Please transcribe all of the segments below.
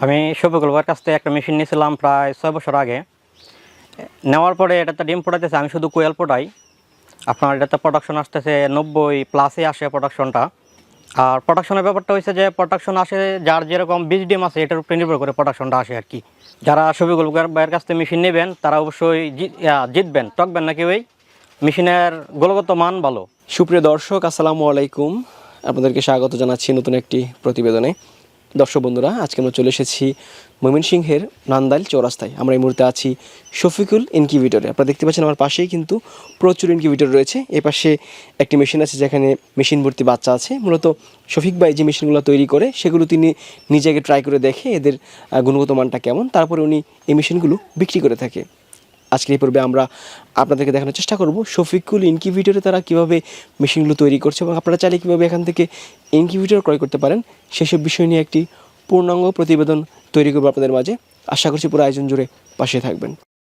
আমি শফিকুল ভাইয়ের কাছ থেকে একটা মেশিন নিয়েছিলাম প্রায় 6 বছর আগে। নেওয়ার পরে এটাতে ডিম ফোটাতেছে, আমি শুধু কোয়েল ফোটাই। আপনার এটাতে প্রোডাকশন আসতেছে 90+ আসে প্রোডাকশনটা। আর প্রোডাকশনের ব্যাপারটা হয়েছে যে প্রোডাকশন আসে যার যেরকম বীজ ডিম আছে এটার উপরে নির্ভর করে প্রোডাকশনটা আসে আর কি। যারা শফিকুল ভাইয়ের কাছ থেকে মেশিন নেবেন তারা অবশ্যই জিতবেন, ঠকবেন না কেউই। মেশিনের গুণগত মান ভালো। সুপ্রিয় দর্শক, আসসালামু আলাইকুম। আপনাদেরকে স্বাগত জানাচ্ছি নতুন একটি প্রতিবেদনে। দর্শক বন্ধুরা, আজকে আমরা চলে এসেছি ময়মনসিংহের নান্দাইল চৌরাস্তায়। আমরা এই মুহূর্তে আছি শফিকুল ইনকিউবেটরে। আপনারা দেখতে পাচ্ছেন আমার পাশেই কিন্তু প্রচুর ইনকিউবেটর রয়েছে। এ পাশে একটি মেশিন আছে যেখানে মেশিন ভর্তি বাচ্চা আছে। মূলত শফিক ভাই যে মেশিনগুলো তৈরি করে সেগুলো তিনি নিজে আগে ট্রাই করে দেখে এদের গুণগত মানটা কেমন, তারপরে উনি এই মেশিনগুলো বিক্রি করে থাকে। আজকের এই পর্বে আমরা আপনাদেরকে দেখানোর চেষ্টা করব শফিকুল ইনকিউবেটরে তারা কীভাবে মেশিনগুলো তৈরি করছে এবং আপনারা চাইলে কীভাবে এখান থেকে ইনকিউবেটর ক্রয় করতে পারেন সেসব বিষয় নিয়ে একটি পূর্ণাঙ্গ প্রতিবেদন তৈরি করবো আপনাদের মাঝে। আশা করছি পুরো আয়োজন জুড়ে পাশে থাকবেন।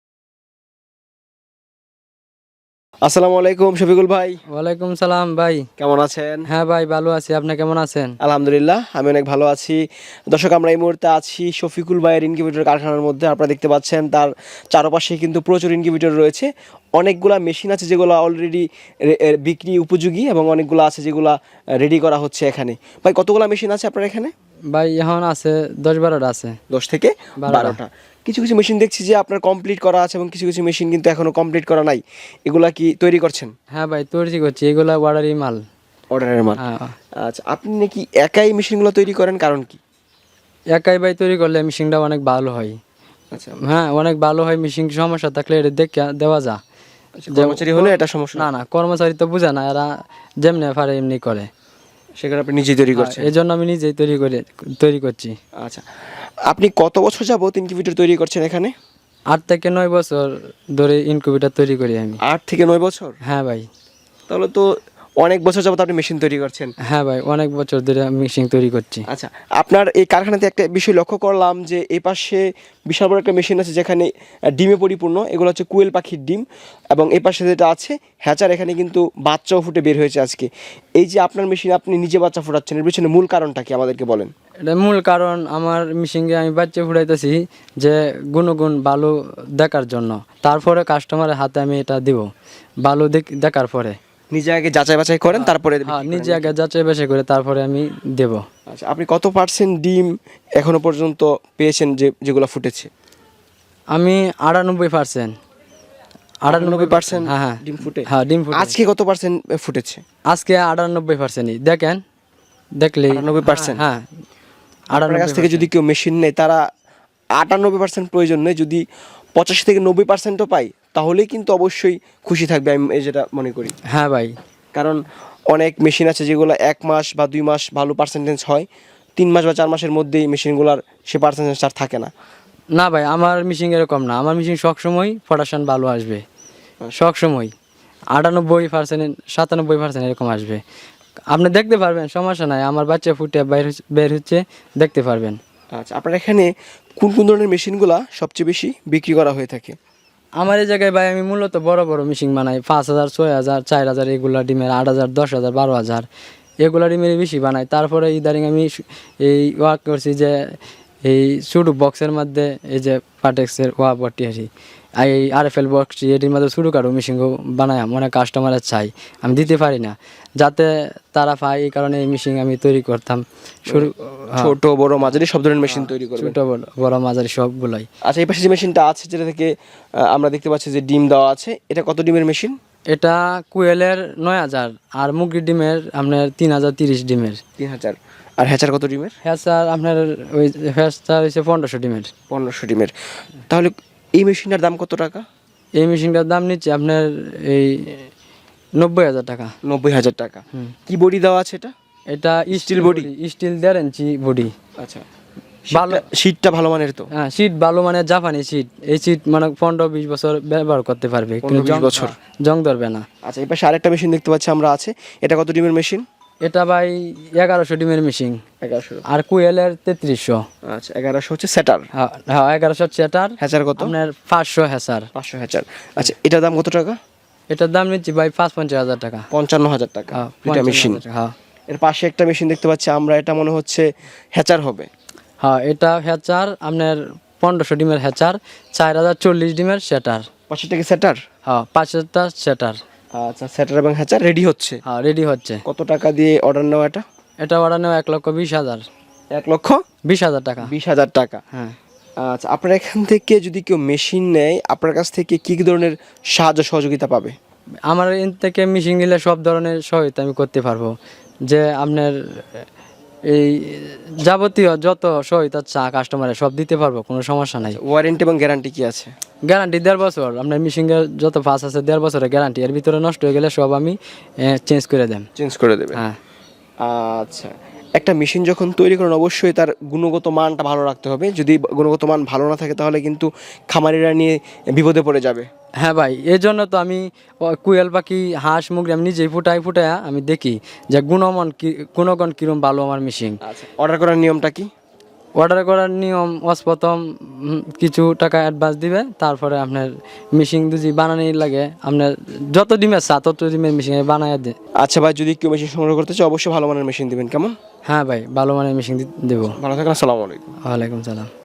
আসসালামু আলাইকুম শফিকুল ভাই। ওয়ালাইকুম সালাম ভাই, কেমন আছেন? হ্যাঁ ভাই ভালো আছি, আপনি কেমন আছেন? আলহামদুলিল্লাহ, আমি অনেক ভালো আছি। দর্শক, আমরা এই মুহূর্তে আছি শফিকুল ভাইয়ের ইনকিউবেটর কারখানার মধ্যে। আপনারা দেখতে পাচ্ছেন তার চারপাশে কিন্তু প্রচুর ইনকিউবেটর রয়েছে। অনেকগুলা মেশিন আছে যেগুলো অলরেডি বিক্রি উপযোগী এবং অনেকগুলো আছে যেগুলো রেডি করা হচ্ছে এখানে। ভাই, কতগুলো মেশিন আছে আপনার এখানে? ভাই এখন আছে 10-12টা আছে। 10 থেকে 12টা। 12টা। কিছু কিছু মেশিন দেখছি যে আপনার কমপ্লিট করা আছে এবং কিছু কিছু মেশিন কিন্তু এখনো কমপ্লিট করা নাই। এগুলা কি তৈরি করছেন? হ্যাঁ ভাই তৈরি করছি, এগুলা অর্ডারই মাল। অর্ডারের মাল। হ্যাঁ, আচ্ছা, আপনি নাকি একাই মেশিনগুলো তৈরি করেন, কারণ কি? একাই ভাই তৈরি করলে মেশিনটা অনেক ভালো হয়। আচ্ছা, হ্যাঁ অনেক ভালো হয়, মেশিন সমস্যা থাকলে এটা দেখে দেওয়া যা। কর্মচারী হলে এটা সমস্যা না না, কর্মচারী তো বুঝে না, এরা যেমনি পারে এমনি করে। সেখানে আপনি নিজেই তৈরি করছেন? এই জন্য আমি নিজেই তৈরি করছি। আচ্ছা, আপনি কত বছর যাবত ইনকিউবেটর তৈরি করছেন এখানে? 8 থেকে 9 বছর ধরে ইনকিউবেটর তৈরি করি আমি। 8 থেকে 9 বছর? হ্যাঁ ভাই। তাহলে তো অনেক বছর যাবত আপনি মেশিন তৈরি করছেন। হ্যাঁ ভাই, অনেক বছর ধরে মেশিন তৈরি করছি। আচ্ছা, আপনার এই কারখানাতে একটা বিষয় লক্ষ্য করলাম যে এই পাশে বিশাল বড় একটা মেশিন আছে যেখানে ডিমে পরিপূর্ণ। এগুলো হচ্ছে কোয়েল পাখির ডিম। এবং এই পাশে যেটা আছে হ্যাচার, এখানে কিন্তু বাচ্চাও ফুটে বের হয়েছে আজকে। এই যে আপনার মেশিন আপনি নিজে বাচ্চা ফুটাচ্ছেন, এর পিছনে মূল কারণটা কি আমাদেরকে বলেন? এটা মূল কারণ, আমার মেশিনে আমি বাচ্চা ফুটাইতেছি যে গুণগুণ ভালো দেখার জন্য। তারপরে কাস্টমারের হাতে আমি এটা দিব ভালো দেখার পরে। নিজে আগে যাচাই বাছাই করেন, তারপরে? হ্যাঁ, নিজে আগে যাচাই বাছাই করে তারপরে আমি দেব। আচ্ছা, আপনি কত পার্সেন্ট ডিম এখনো পর্যন্ত পেয়েছেন যেগুলো ফুটেছে? আমি 98%। 98% হ্যাঁ হ্যাঁ ডিম ফুটে? হ্যাঁ ডিম ফুটে। আজকে কত পার্সেন্ট ফুটেছে? আজকে 98%ই দেখেন, দেখলে 98%? হ্যাঁ আপনার কাছ থেকে যদি কেউ মেশিন নেয় তারা 98% প্রয়োজন নেই, যদি 85 থেকে 90%ও পাই তাহলেই কিন্তু অবশ্যই খুশি থাকবে, আমি যেটা মনে করি। হ্যাঁ ভাই, কারণ অনেক মেশিন আছে যেগুলো 1 মাস বা 2 মাস ভালো পার্সেন্টেজ হয়, 3 মাস বা 4 মাসের মধ্যেই মেশিনগুলোর সে পার্সেন্টেজ আর থাকে না। না ভাই, আমার মেশিন এরকম না। আমার মেশিন সবসময় প্রোডাকশন ভালো আসবে, সবসময় 98%, 97% এরকম আসবে। আপনি দেখতে পারবেন, সমস্যা নাই। আমার বাচ্চা ফুটে বের হচ্ছে, দেখতে পারবেন। আচ্ছা, আপনার এখানে কোন কোন ধরনের মেশিনগুলো সবচেয়ে বেশি বিক্রি করা হয়ে থাকে? আমার এই জায়গায় ভাই আমি মূলত বড় বড় মেশিন বানাই। 5,000, 6,000, 4,000 এগুলা ডিমের, 8,000, 10,000, 12,000 এগুলা ডিমের বেশি বানাই। তারপরে ইদারিং আমি এই ওয়ার্ক করছি যে এই ছোটো বক্সের মধ্যে এই যে পাটেক্সের বটি আসি, এই RFL বক্স, এটির মধ্যে ছোটো কারো মেশিনও বানাই। অনেক কাস্টমারের চাই, আমি দিতে পারি না, যাতে তারা পায়। এই কারণে এই মেশিন আমি তৈরি করতাম। ছোট বড় মাঝারি সব ধরনের মেশিন তৈরি করবেন? ছোট বড় মাঝারি সবগুলাই। আচ্ছা, এই পাশে যে মেশিনটা আছে যেটা থেকে আমরা দেখতে পাচ্ছি যে ডিম দেওয়া আছে, এটা কত ডিমের মেশিন? এটা কোয়েলের 9,000 আর মুরগির ডিমের আপনার 3,030 ডিমের। 3,000। আর হ্যাচার কত ডিমের? হ্যাচার আপনার ওই হ্যাচার হচ্ছে 1,500 ডিমের। 1500 ডিমের। তাহলে এই মেশিনটার দাম কত টাকা? এই মেশিনটার দাম নিচ্ছে আপনার এই 90,000 টাকা। 90,000 টাকা। কি বডি দেওয়া আছে এটা? এটা steel body? Steel 1.5 inch body. আচ্ছা, ভালো শীটটা ভালো মানের তো? হ্যাঁ, শীট ভালো মানে জাপানি শীট। এই শীট মানে 15-20 বছর ব্যবহার করতে পারবে, 15-20 বছর জং ধরবে না। আচ্ছা, এই পাশে আরেকটা মেশিন দেখতে পাচ্ছি আমরা আছে, এটা কত ডিমের মেশিন? এটা ভাই 1100 ডিমের মেশিন। 1100। আর কোয়েলের 3300। আচ্ছা, 1100 হচ্ছে সেটার? হ্যাঁ 1100 সেটার। হ্যাচার কত? আপনার 500 হ্যাচার। 500 হ্যাচার। আচ্ছা, এটার দাম কত টাকা? এটার দাম নিচ্ছি ভাই 55,000 টাকা। 55,000 টাকা এটা মেশিন। হ্যাঁ। এর পাশে একটা মেশিন দেখতে পাচ্ছি আমরা, এটা মনে হচ্ছে হ্যাচার হবে। হ্যাঁ, এটা হ্যাচার আপনার 1500 ডিমের হ্যাচার, 4040 ডিমের সেটার। পাশেরটা কি সেটার? হ্যাঁ, 5টা সেটার। আচ্ছা, সেটার এবং হ্যাচার রেডি হচ্ছে। হ্যাঁ, রেডি হচ্ছে। কত টাকা দিয়ে অর্ডার নেওয়া এটা? এটা অর্ডার নেওয়া 1,20,000। 1,20,000 টাকা। 20,000 টাকা। হ্যাঁ। আচ্ছা, আপনার এখান থেকে যদি কেউ মেশিন নেয় আপনার কাছ থেকে কি কি ধরনের সাহায্য সহযোগিতা পাবে? আমার এন থেকে মেশিন নিলে সব ধরনের সহায়তা আমি করতে পারবো, যে আপনার এই যাবতীয় যত সহায়তা চা কাস্টমারের সব দিতে পারবো, কোনো সমস্যা নাই। ওয়ারেন্টি এবং গ্যারান্টি কি আছে? গ্যারান্টি 1.5 বছর। আপনার মেশিনের যত পাস আছে 1.5 বছরের গ্যারান্টি, এর ভিতরে নষ্ট হয়ে গেলে সব আমি চেঞ্জ করে দেন। চেঞ্জ করে দেবে? হ্যাঁ। আচ্ছা, একটা মেশিন যখন তৈরি করেন অবশ্যই তার গুণগত মানটা ভালো রাখতে হবে। যদি গুণগত মান ভালো না থাকে তাহলে কিন্তু খামারিরা নিয়ে বিপদে পড়ে যাবে। হ্যাঁ ভাই, এই জন্য তো আমি কুয়েল পাখি, হাঁস মুরগি আমি নিজেই ফুটায়া আমি দেখি যে গুণগণ কিরম ভালো আমার মেশিন। আচ্ছা, অর্ডার করার নিয়মটা কি? অর্ডার করার নিয়ম প্রথম কিছু টাকা অ্যাডভান্স দিবে, তারপরে আপনার মেশিন যদি বানানি লাগে, আপনার যত ডিমের চা তত ডিমের মেশিন বানায় দে। আচ্ছা ভাই, যদি কেউ মেশিন সংগ্রহ করতে চায় অবশ্যই ভালো মানের মেশিন দিবেন, কেমন? হ্যাঁ ভাই, ভালো মানের মেশিন দেবো। ভালো থাকেন, আসসালামু আলাইকুম। ওয়ালাইকুম সালাম।